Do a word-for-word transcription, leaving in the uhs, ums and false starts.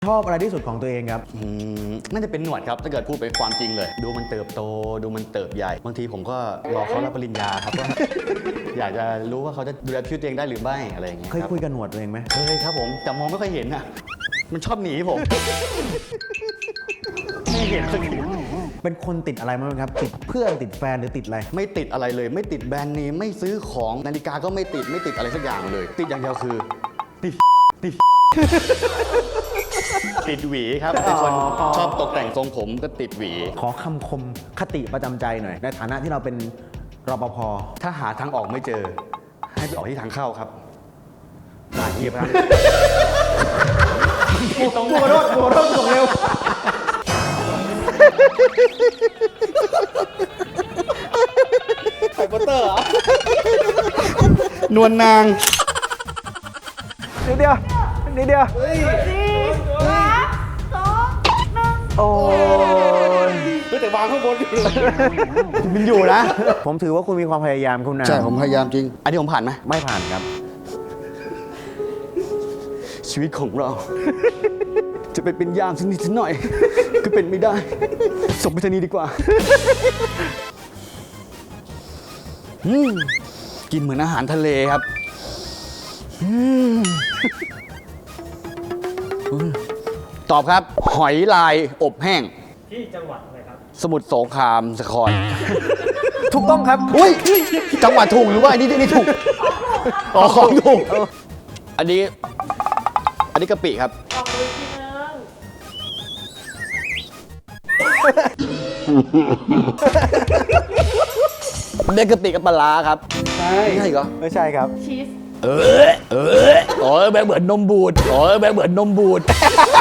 ชอบอะไรที่สุดของตัวเองครับอืมน่าจะเป็นหนวดครับถ้าเกิดพูดไปความจริงเลย ดูมันเติบโตดูมันเติบใหญ่ บางทีผมก็รอเขารับปริญญาครับว่า อยากจะรู้ว่าเขาจะดูแลชีวิตตัวเองได้หรือไม่อะไรอย่างเงี้ยเคยครับคุยกับหนวดตัวเองไหมเคยครับผมแต่มองไม่ค่อยเห็นอ่ะมันชอบหนีผม ไม่เห็นสักทีเป็นคนติดอะไรมั้งครับติดเพื่อนติดแฟนหรือติดอะไรไม่ติดอะไรเลย ไม่ติดแบรนด์เนมไม่ซื้อของนาฬิกาก็ไม่ติดไม่ติดอะไรสักอย่างเลย ติดอย่างเดียวคือติดติด ติดหวีครับเป็นคนชอบตกแต่งทรงผมก็ติดหวีขอคำคมคติประจำใจหน่อยในฐานะที่เราเป็นรปภถ้าหาทางออกไม่เจอ ให้ไปออกที่ทางเข้าครับหาเกียบครับกูต้องกูรถกูรถส่งเร็วไฮโปเตอร์เหรอ นวลนางนิดเดียวนิดเดียวสี่สามสองหนึ่งโอ้ยเฮ้ยแต่วางข้างบนอยู่เลยมันอยู่นะผมถือว่าคุณมีความพยายามคุณนะใช่ผมพยายามจริง อันนี้ผมผ่านไหมไม่ผ่านครับชีวิตของเรา จะไปเป็นยามสักนิดสักหน่อย ก็เป็นไม่ได้ส่งไปทางนี้ดีกว่าอืมกินเหมือนอาหารทะเลครับอืมตอบครับ หอยลายอบแห้งที่จังหวัดอะไรครับสมุทรสงครามสครถูกต้องครับอุ้ยจังหวัดถูกหรือว่าอันนี้อันนี้ถูกอ๋อของถูกอันนี้ อันนี้กะปิครับออกมือทีนึงเด็กกะปิกับปลาร้าครับ ใช่ใช่เหรอไม่ใช่ครับชีสเออเอออ๋อแบบเหมือนนมบูดอ๋อแบบเหมือนนมบูด